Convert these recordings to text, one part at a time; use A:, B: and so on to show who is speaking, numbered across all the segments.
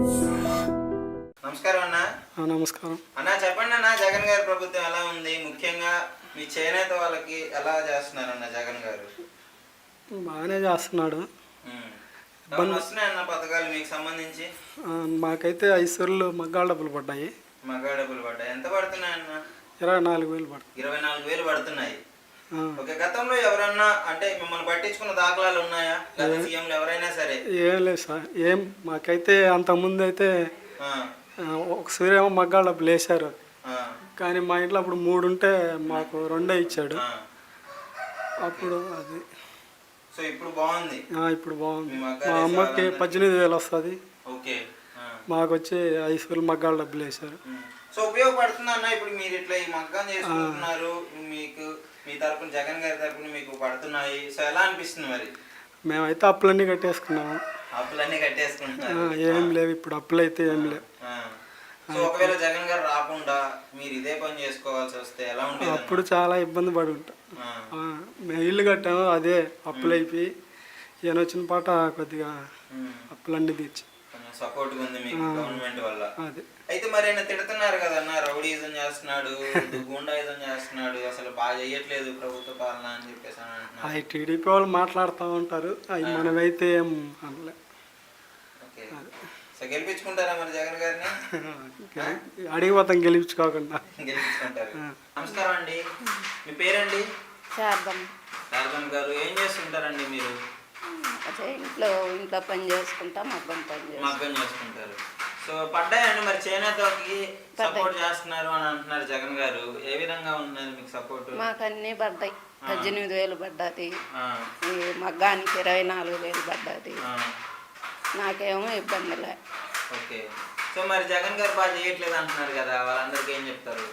A: నమస్కారం అన్న.
B: నమస్కారం
A: అన్న చెప్పండి అన్న, జగన్ గారి ప్రభుత్వం ఎలా ఉంది? ముఖ్యంగా మీ చేనేత వాళ్ళకి ఎలా చేస్తున్నారన్న జగన్ గారు?
B: బాగానే చేస్తున్నాడు.
A: వస్తున్నాయన్న పథకాలు మీకు సంబంధించి?
B: మాకైతే 5 సార్లు మగ్గాల డబ్బులు పడ్డాయి.
A: మగ్గాల డబ్బులు పడ్డాయి. ఎంత పడుతున్నాయన్న?
B: 24,000 పడుతుంది.
A: 24,000 పడుతున్నాయి. ఓకే. గతంలో ఎవరన్నా అంటే మిమ్మల్ని పట్టించుకున్న దాఖలాలు ఉన్నాయా? గత సీఎంలు ఎవరైనా సరే?
B: ఏం లేదు సార్. మాకైతే అంతకుముందు అయితే ఒకసారి ఏమో మగ్గాల డబ్బులు వేశారు, కానీ మా ఇంట్లో అప్పుడు 3 ఉంటే మాకు 2 ఇచ్చాడు. అప్పుడు అది
A: సో ఇప్పుడు బాగుంది.
B: ఇప్పుడు బాగుంది. మా అమ్మకి 18,000 వస్తుంది.
A: ఓకే.
B: మాకు వచ్చి 5 సార్లు మగ్గాల డబ్బులు వేశారు.
A: సో ఉపయోగపడుతుంది అన్న. ఇప్పుడు మీరు ఇట్లా ఈ మగ్గం చేసుకుంటున్నారు, మీకు మీ తరపున జగన్ గారి తరపున మీకు పడుతున్నాయి. సో ఎలా అనిపిస్తుంది మరి?
B: మేమైతే అప్పులన్నీ కట్టేసుకున్నాము.
A: అప్పులన్నీ కట్టేసుకుంటున్నారు?
B: ఏం లేవు ఇప్పుడు, అప్పులు అయితే ఏం లేవు.
A: సో ఒకవేళ జగన్ గారు రాకుండా మీరు ఇదే పని చేసుకోవాల్సి వస్తే ఎలా ఉంటుంది?
B: అప్పుడు చాలా ఇబ్బంది పడి ఉంటాం. మేము ఇల్లు కట్టాము, అదే అప్పులు అయిపోయి ఈయన వచ్చిన పాట కొద్దిగా అప్పులన్నీ తీర్చి
A: సపోర్ట్ ఉంది మీకు గవర్నమెంట్ వల్ల.
B: అదే.
A: అయితే మరి ఆయన తిడుతున్నారు కదన్న, రౌడీజం చేస్తున్నాడు, గుండాయిజం చేస్తున్నాడు, అసలు బాగా చేయట్లేదు ప్రభుత్వ పాలన అని చెప్పేసి
B: అవి టీడీపీ వాళ్ళు మాట్లాడుతూ ఉంటారు, అవి మనమైతే ఏం అనలే.
A: ఓకే. సో గెలిపించుకుంటారా మరి జగన్ గారిని?
B: అడిగిపోతాం గెలిపించుకోకుండా.
A: గెలిపించుకుంటారు. నమస్కారం అండి, మీ పేరండి? శారదమ్మ గారు. ఏం చేస్తుంటారండి మీరు?
C: ఇంట్లో పని చేసుకుంటా, మగ్గం
A: చేసుకుంటారు. సో పడ్డాయండి మరి చేనేతకి సపోర్ట్ చేస్తున్నారు అని అంటున్నారు జగన్ గారు. ఏ విధంగా ఉన్నది మీకు సపోర్ట్?
C: మాకు అన్నీ పడ్డాయి. 18,000 పడ్డది, మగ్గానికి 24,000 పడ్డది. నాకేమో ఇబ్బంది లే.
A: ఓకే. సో మరి జగన్ గారు బాగా చేయట్లేదు అంటున్నారు కదా, వాళ్ళందరికీ ఏం చెప్తారు?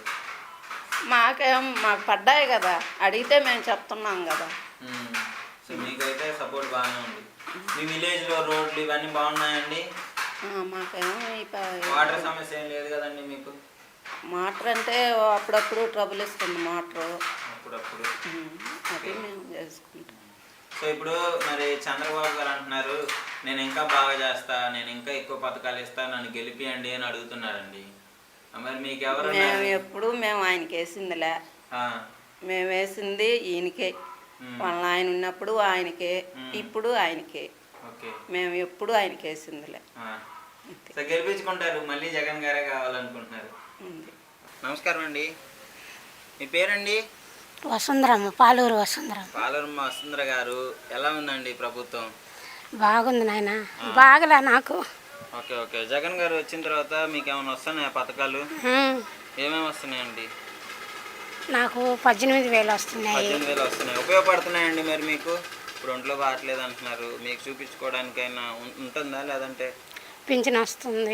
C: మాకు పడ్డాయి కదా, అడిగితే మేము చెప్తున్నాం కదా.
A: సో మీకైతే సపోర్ట్ బాగానే ఉంది. మీ విలేజ్లో రోడ్లు ఇవన్నీ బాగున్నాయండి?
C: మాకేమో
A: వాటర్ సమస్య ఏం లేదు కదండి మీకు?
C: మోటార్ అంటే అప్పుడప్పుడు ట్రబుల్ ఇస్తుంది మోటార్,
A: అప్పుడప్పుడు
C: అది మేము చేసుకుంటాం.
A: సో ఇప్పుడు మరి చంద్రబాబు గారు అంటున్నారు, నేను ఇంకా బాగా చేస్తా, నేను ఇంకా ఎక్కువ పథకాలు ఇస్తా, నన్ను గెలిపియండి అని అడుగుతున్నారండి. మరి మీకు ఎవరు?
C: మేము ఆయనకి వేసిందిలే, మేము వేసింది ఈయనకే. వాళ్ళ ఆయన ఉన్నప్పుడు ఆయనకే, ఇప్పుడు ఆయనకే. మేము ఎప్పుడు ఆయనకి వేసిందిలే.
A: సో గెలిపించుకుంటారు, మళ్ళీ జగన్ గారే కావాలనుకుంటున్నారు. నమస్కారం అండి, మీ పేరండి?
D: వసుంధరమ్మ, పాలూరు వసుంధరమ్మ.
A: పాలూరమ్మ వసుంధర గారు. ఎలా ఉందండి ప్రభుత్వం?
D: బాగుంది నాయన, బాగలే నాకు.
A: Okay okay. జగన్ గారు వచ్చిన తర్వాత మీకు ఏమైనా వస్తున్నాయా పథకాలు? ఏమేమి వస్తున్నాయండి?
D: నాకు 18,000 వస్తున్నాయి.
A: 18,000 వస్తున్నాయి. ఉపయోగపడుతున్నాయండి మరి మీకు? ఇప్పుడు ఒంట్లో బాగట్లేదు అంటున్నారు, మీకు చూపించుకోవడానికైనా ఉంటుందా? లేదంటే
D: పింఛన్ వస్తుంది,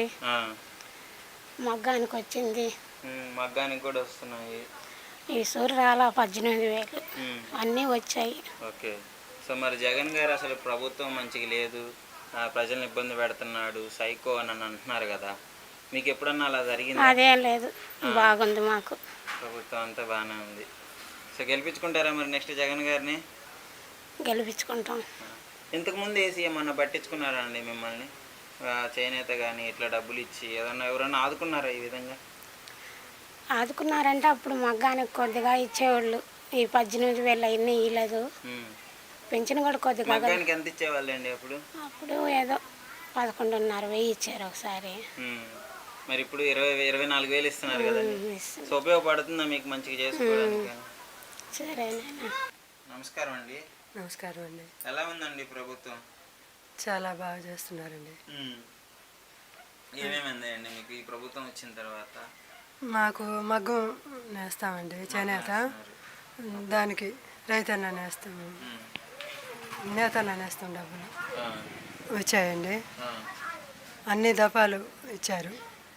D: మగ్గానికి వచ్చింది,
A: మగ్గానికి కూడా వస్తున్నాయి.
D: ఈ సూర్యరాల 18,000 అన్నీ వచ్చాయి.
A: ఓకే. సో మరి జగన్ గారు అసలు ప్రభుత్వం మంచిగా లేదు, ప్రజల్ని ఇబ్బంది పెడుతున్నాడు, సైకో అని అంటున్నారు కదా, మీకు ఎప్పుడన్నా అలా జరిగింది?
D: అదేం లేదు, బాగుంది మాకు
A: ప్రభుత్వం, అంతా బాగానే ఉంది. సో గెలిపించుకుంటారా మరి నెక్స్ట్ జగన్ గారిని?
D: గెలిపించుకుంటాం.
A: ఇంతకుముందు ఏసీ ఏమన్నా పట్టించుకున్నారా అండి మిమ్మల్ని? చేనేత కానీ ఇట్లా డబ్బులు ఇచ్చి ఎవరన్నా ఆదుకున్నారా ఈ విధంగా?
D: ఆదుకున్నారంటే అప్పుడు మగ్గానికి కొద్దిగా ఇచ్చేవాళ్ళు, ఈ 18,000 అన్నీ ఇవ్వలేదు. పెన్షన్ కూడా కొద్దిగా.
A: మగ్గానికి ఎంత ఇచ్చేవాళ్ళండి అప్పుడు?
D: అప్పుడు ఏదో 11,500 ఇచ్చారు ఒకసారి.
A: మరి ఇప్పుడు 24,000 ఇస్తున్నారు కదండి. సో ఉపయోగపడుతుందా మీకు మంచిగా చేసుకోవడానికి?
D: సరేనా.
A: నమస్కారం అండి.
E: నమస్కారం అండి.
A: ఎలా ఉందండి ప్రభుత్వం?
E: చాలా బాగా చేస్తున్నారండి.
A: ఏమేమి అందాయండి మీకు ఈ ప్రభుత్వం వచ్చిన తర్వాత?
E: మాకు మగ్గం నేస్తామండి, చేనేత, దానికి రైతన్న నేస్తాము, నేతన్న నేస్తాం. డబ్బులు వచ్చాయండి, అన్ని దఫాలు ఇచ్చారు.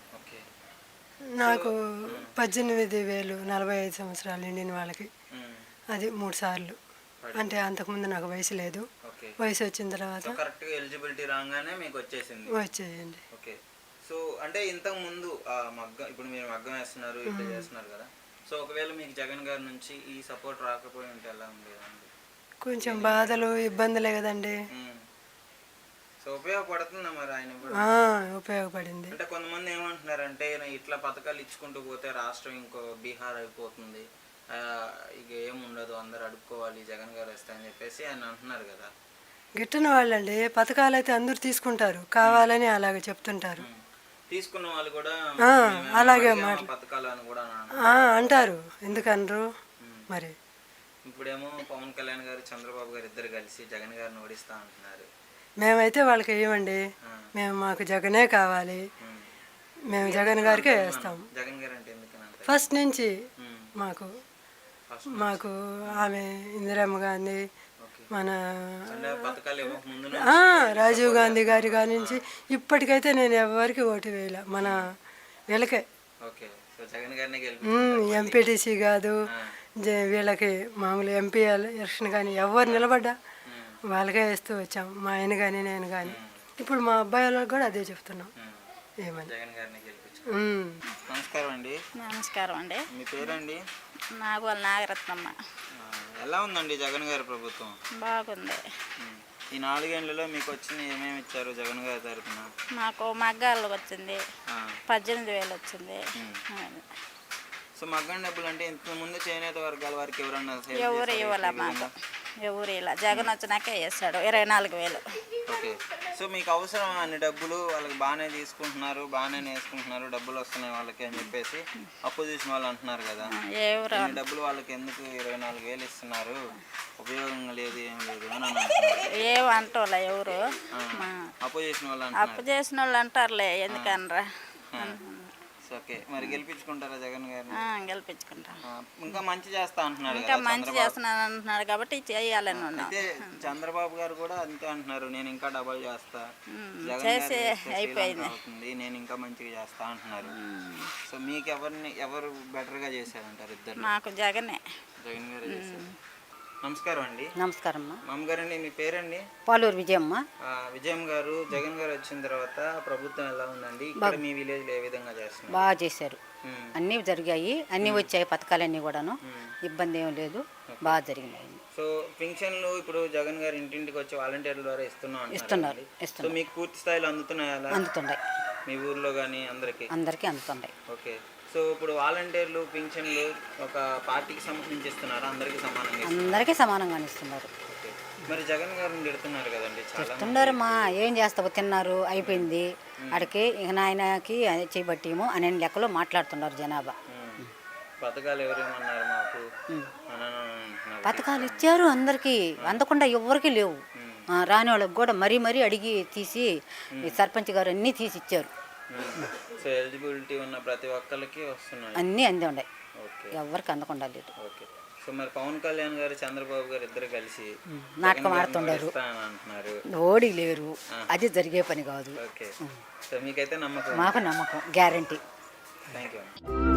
E: నాకు 18,000 45 సంవత్సరాలు నిండిన వాళ్ళకి, అది 3 సార్లు. అంటే అంతకుముందు నాకు వయసు లేదు, వయసు వచ్చిన తర్వాత
A: కరెక్ట్గా ఎలిజిబిలిటీ రాగానే మీకు
E: వచ్చేయండి.
A: ఓకే. సో అంటే ఇంతకు ముందు మగ్గం, ఇప్పుడు మీరు మగ్గం వేస్తున్నారు, ఇట్లా చేస్తున్నారు కదా, సో ఒకవేళ మీకు జగన్ గారి నుంచి ఈ సపోర్ట్ రాకపోయి ఉంటే ఎలా ఉండేదండి?
E: కొంచెం బాధలు ఇబ్బందులే కదండి.
A: సో సో ఉపయోగపడుతుందా మరి ఆయన కూడా?
E: ఉపయోగపడింది.
A: అంటే కొంతమంది ఏమంటున్నారంటే ఇట్లా పథకాలు ఇచ్చుకుంటూ పోతే రాష్ట్రం ఇంకో బీహార్ అయిపోతుంది, ఇక ఏముండదు, అందరు అడుక్కోవాలి, జగన్ గారు వస్తాయని చెప్పేసి ఆయన అంటున్నారు కదా.
E: గిట్టని వాళ్ళండి పథకాలు అయితే అందరూ తీసుకుంటారు, కావాలని అలాగే చెప్తుంటారు.
A: తీసుకున్న వాళ్ళు కూడా
E: అలాగే
A: పథకాలు అని కూడా
E: అంటారు. ఎందుకనరు మరి?
A: ఇప్పుడేమో పవన్ కళ్యాణ్ గారు చంద్రబాబు గారు ఇద్దరు కలిసి జగన్ గారిని ఓడిస్తా అంటున్నారు.
E: మేమైతే వాళ్ళకి ఏమండి, మాకు జగనే కావాలి, మేము జగన్ గారికే వేస్తాం.
A: జగన్ గారు అంటే ఎందుకని?
E: ఫస్ట్ నుంచి మాకు ఆమె ఇందిరమ్మ గాంధీ, మన రాజీవ్ గాంధీ గారి కాడి నుంచి ఇప్పటికైతే నేను ఎవరికి ఓటు వేయలే, మన వీళ్ళకే. ఎంపీటీసీ కాదు, వీళ్ళకి మామూలు ఎంపీ ఎలక్షన్ కానీ ఎవరు నిలబడ్డా వాళ్ళకే వేస్తూ వచ్చాం, మా ఆయన కానీ నేను కానీ. ఇప్పుడు మా అబ్బాయి వాళ్ళకి కూడా అదే చెప్తున్నాం. ఏమని?
A: నమస్కారం అండి.
F: నమస్కారం అండి.
A: మీ పేరండి?
F: నాగోల్ నాగరత్నమ్మ.
A: ఎలా ఉందండి జగన్ గారి ప్రభుత్వం?
F: బాగుంది.
A: ఈ 4 ఏళ్లలో మీకు వచ్చిన ఏమేమి ఇచ్చారు జగన్ గారి తరఫున?
F: మాకు మగ్గాలు వచ్చింది, 18,000 వచ్చింది.
A: సో మగ్గం డబ్బులు అంటే ఇంత ముందు చేనేత వర్గాల వారికి ఎవరన్నా
F: ఎవరు ఇవ్వాల మాకు, ఎవరు ఇలా జగన్ వచ్చినాకే వేస్తాడు 24,000.
A: ఓకే. సో మీకు అవసరం అన్ని డబ్బులు, వాళ్ళకి బాగానే తీసుకుంటున్నారు, బాగానే వేసుకుంటున్నారు, డబ్బులు వస్తున్నాయి వాళ్ళకి అని చెప్పేసి అపోజిషన్ వాళ్ళు అంటున్నారు కదా.
F: ఎవరు
A: డబ్బులు వాళ్ళకి ఎందుకు 24,000 ఇస్తున్నారు, ఉపయోగం లేదు, ఏం లేదు అని
F: ఏమంటోలే ఎవరు
A: అపోజిషన్ వాళ్ళు
F: అప్పు చేసిన వాళ్ళు అంటారులే, ఎందుకనరా.
A: ఓకే. మరి గెలిపించుకుంటారా జగన్ గారిని?
F: గెలిపించుకుంటాం.
A: ఇంకా మంచి చేస్తా అంటున్నారు,
F: ఇంకా మంచి చేస్తున్నాను అంటున్నాడు కాబట్టి చేయాలని ఉన్నాం.
A: అయితే చంద్రబాబు గారు కూడా అంతే అంటున్నారు, నేను ఇంకా డబల్ చేస్తా,
F: చేసి అయిపోయింది,
A: నేను ఇంకా మంచిగా చేస్తా అంటున్నారు. సో మీకు ఎవరు బెటర్ గా చేశారంటారు? ఇద్దరు.
F: నాకు జగన్
A: గారు చేశారు. నమస్కారం అండి.
G: నమస్కారం
A: మామగారండి. మీ పేరండి?
G: పాలూరు విజయమ్మ.
A: విజయం గారు, జగన్ గారు వచ్చిన తర్వాత ప్రభుత్వం ఎలా ఉందండి? ఇక్కడ మీ విలేజ్ లో ఏ విధంగా చేస్తున్నారు?
G: బాగా చేశారు, అన్నీ జరిగాయి, అన్నీ వచ్చాయి పథకాలన్నీ కూడాను, ఇబ్బంది ఏం లేదు, బాగా జరిగినాయి.
A: సో పింఛన్లు ఇప్పుడు జగన్ గారు ఇంటింటికి వచ్చి వాలంటీర్ల ద్వారా
G: ఇస్తున్నారు.
A: సో మీకు పూర్తి స్థాయిలో అందుతున్నాయా?
G: అందుతున్నాయి,
A: మీ ఊర్లో కానీ అందరికి
G: అందుతున్నాయి.
A: ఓకే. సో ఇప్పుడు వాలంటీర్లు పింఛన్లు ఒక పార్టీకి సంబంధించి ఇస్తున్నారు, అందరికీ సమానంగా?
G: అందరికీ సమానంగానే ఇస్తున్నారు.
A: మరి జగన్ గారిని తిడుతున్నారు కదండి చాలా.
G: తిడుతున్నారు, మా ఏం చేస్తావు, తిన్నారు అయిపోయింది అడికి, ఇక నాయనకి చేయబట్టేమో అనే లెక్కలో మాట్లాడుతున్నారు జనాభా.
A: పథకాలు ఎవరేమన్నారు మాకు?
G: పథకాలు ఇచ్చారు అందరికీ, అందకుండా ఎవరికి లేవు. రాని వాళ్ళకి కూడా మరీ మరీ అడిగి తీసి సర్పంచ్ గారు అన్నీ తీసి ఇచ్చారు.
A: సో ఎలిజిబిలిటీ ఉన్న ప్రతి ఒక్కరికి వస్తున్నాయి,
G: అన్నీ అంది ఉన్నాయి, ఎవరికి అందకుండా లేదు.
A: ఓకే. సో మరి పవన్ కళ్యాణ్ గారు చంద్రబాబు గారు ఇద్దరు కలిసి
G: నాటకం ఆడుతుండారు,
A: అంటున్నారు,
G: ఓడి లేరు, అది జరిగే పని కాదు.
A: ఓకే. సో మీకైతే నమ్మకం?
G: మాకు నమ్మకం, గ్యారంటీ.
A: Thank you.